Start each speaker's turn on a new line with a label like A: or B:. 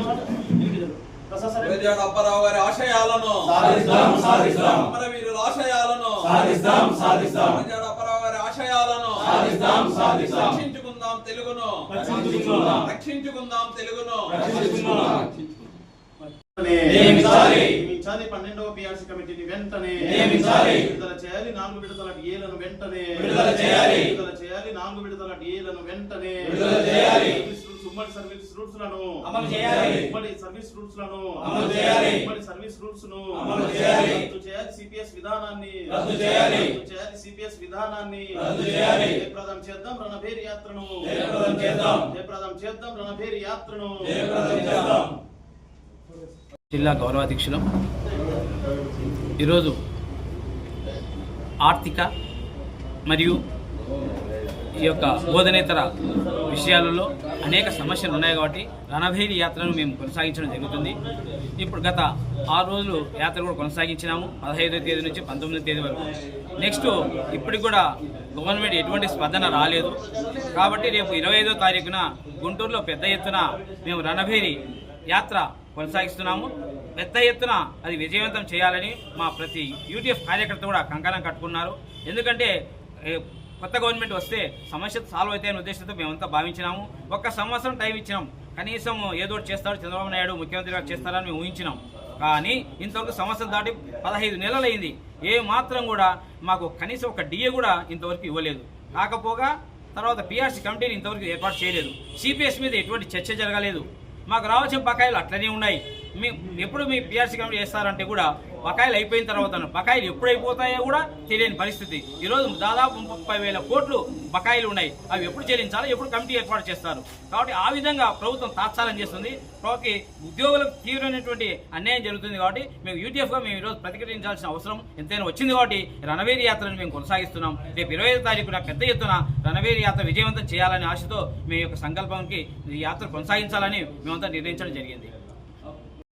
A: అప్పారావు గారి ఆశయాలను అమరవీరుల ఆశయాలను అప్పారావు గారి ఆశయాలను రక్షించుకుందాం తెలుగును రక్షించుకుందాం తెలుగును
B: నియమించాలి 12వ పిఆర్సీ కమిటీని వెంటనే విడుదల చేయాలి 4 విడతల డిఏలను వెంటనే విడుదల చేయాలి 4 విడతల డిఏలను వెంటనే విడుదల చేయాలి ఉమ్మడి సర్వీస్ రూల్స్ లను అమలు చేయాలి ఉమ్మడి సర్వీస్ రూల్స్ లను అమలు చేయాలి ఉమ్మడి సర్వీస్ రూల్స్ ను అమలు చేయాలి రద్దు చేయాలి సిపిఎస్ విధానాన్ని రద్దు చేయాలి సిపిఎస్ విధానాన్ని రద్దు చేయాలి జయప్రదం చేద్దాం రణభేరి యాత్రను జయప్రదం చేద్దాం రణభేరి యాత్రను చేద్దాం.
C: జిల్లా గౌరవాధ్యక్షులు ఈరోజు ఆర్థిక మరియు ఈ యొక్క బోధనేతర విషయాలలో అనేక సమస్యలు ఉన్నాయి కాబట్టి రణభేరి యాత్రను మేము కొనసాగించడం జరుగుతుంది. ఇప్పుడు గత 6 రోజులు యాత్ర కూడా కొనసాగించినాము 15వ తేదీ నుంచి 19వ తేదీ వరకు. నెక్స్ట్ ఇప్పటికి కూడా గవర్నమెంట్ ఎటువంటి స్పందన రాలేదు కాబట్టి రేపు 25వ తారీఖున గుంటూరులో పెద్ద ఎత్తున మేము రణభేరి యాత్ర కొనసాగిస్తున్నాము. పెద్ద ఎత్తున అది విజయవంతం చేయాలని మా ప్రతి యూటీఎఫ్ కార్యకర్త కూడా కంకణం కట్టుకున్నారు. ఎందుకంటే కొత్త గవర్నమెంట్ వస్తే సమస్య సాల్వ్ అవుతాయనే ఉద్దేశంతో మేమంతా భావించినాము. 1 సంవత్సరం టైం ఇచ్చినాం, కనీసం ఏదో చేస్తాడు చంద్రబాబు నాయుడు ముఖ్యమంత్రిగా చేస్తారని మేము ఊహించినాం. కానీ ఇంతవరకు సంవత్సరం దాటి 15 నెలలు అయింది. ఏ మాత్రం కూడా మాకు కనీసం ఒక డిఏ కూడా ఇంతవరకు ఇవ్వలేదు. కాకపోగా తర్వాత పిఆర్సీ కమిటీని ఇంతవరకు ఏర్పాటు చేయలేదు. సిపిఎస్ మీద ఎటువంటి చర్చ జరగలేదు. మాకు రావాల్సిన బకాయిలు అట్లనే ఉన్నాయి. ఎప్పుడు మీ పిఆర్సీ కమిటీ చేస్తారంటే కూడా బకాయిలు అయిపోయిన తర్వాత బకాయిలు ఎప్పుడు అయిపోతాయో కూడా తెలియని పరిస్థితి. ఈరోజు దాదాపు 30,000 కోట్లు బకాయిలు ఉన్నాయి. అవి ఎప్పుడు చెల్లించాలో, ఎప్పుడు కమిటీ ఏర్పాటు చేస్తారు. కాబట్టి ఆ విధంగా ప్రభుత్వం తాత్సారం చేస్తుంది. కాబట్టి ఉద్యోగులకు తీవ్రమైనటువంటి అన్యాయం జరుగుతుంది. కాబట్టి మేము యూటీఎఫ్గా మేము ఈరోజు ప్రతిఘటించాల్సిన అవసరం ఎంతైనా వచ్చింది. కాబట్టి రణభేరి యాత్రను మేము కొనసాగిస్తున్నాం. రేపు 25వ తారీఖున పెద్ద ఎత్తున రణభేరి యాత్ర విజయవంతం చేయాలనే ఆశతో మీ యొక్క సంకల్పానికి ఈ యాత్ర కొనసాగించాలని మేమంతా నిర్ణయించడం జరిగింది.